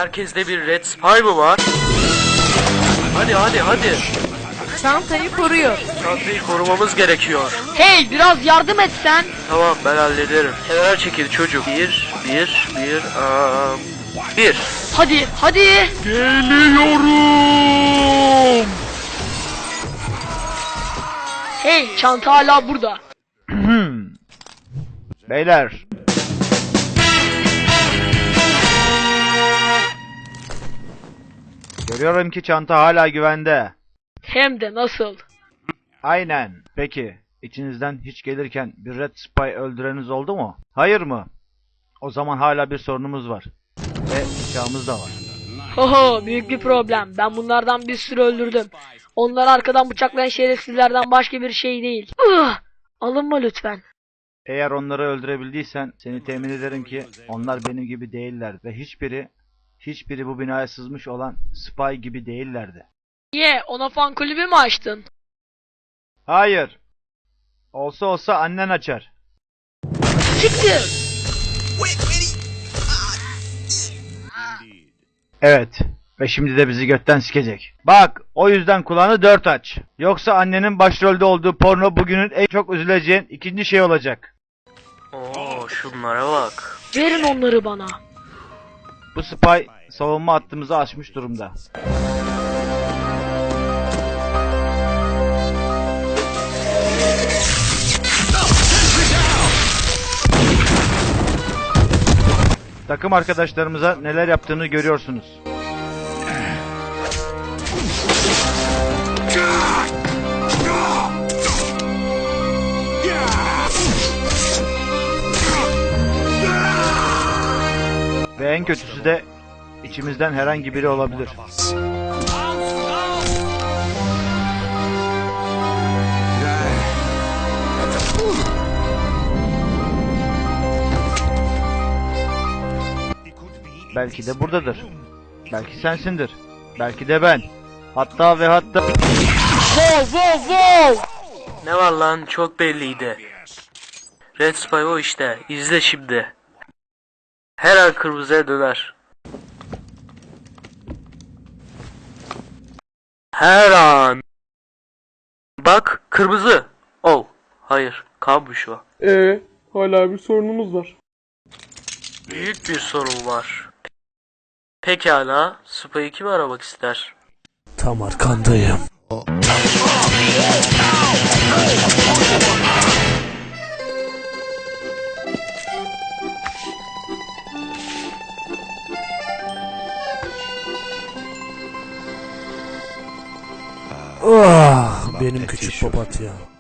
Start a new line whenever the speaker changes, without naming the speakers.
Herkeste bir Red Spy mı var? Hadi.
Çantayı koruyor.
Çantayı korumamız gerekiyor.
Hey, biraz yardım et sen.
Tamam, ben hallederim. Kenara çekil çocuk. Bir.
Hadi.
Geliyorum.
Hey, çanta hala burada.
Beyler. Görüyorum ki çanta hala güvende.
Hem de nasıl?
Aynen. Peki, içinizden hiç gelirken bir Red Spy öldüreniniz oldu mu? Hayır mı? O zaman hala bir sorunumuz var. Ve bıçağımız da var.
Hoho, büyük bir problem. Ben bunlardan bir sürü öldürdüm. Onları arkadan bıçaklayan şerefsizlerden başka bir şey değil. Alınma lütfen.
Eğer onları öldürebildiysen seni temin ederim ki onlar benim gibi değiller ve hiçbiri bu binaya sızmış olan Spy gibi değillerdi.
Ona fan kulübü mü açtın?
Hayır. Olsa annen açar.
Siktir!
Evet. Ve şimdi de bizi götten sikecek. Bak, o yüzden kulağını dört aç. Yoksa annenin başrolde olduğu porno bugünün en çok üzüleceğin ikinci şey olacak.
Oo, şunlara bak.
Verin onları bana.
Bu Spy savunma hattımızı aşmış durumda. Takım arkadaşlarımıza neler yaptığını görüyorsunuz. Ve en kötüsü de içimizden herhangi biri olabilir. Belki de buradadır. Belki sensindir. Belki de ben. Hatta.
Wow!
Ne var lan, çok belliydi. Red Spy o işte. İzle şimdi. Her an kırmızıya döner. Her an. Bak, kırmızı. Oh, hayır, kanmış o.
Hala bir sorunumuz var.
Büyük bir sorun var. Pekala, Spy'ı kim aramak ister?
Tam arkandayım. Benim küçük papatya.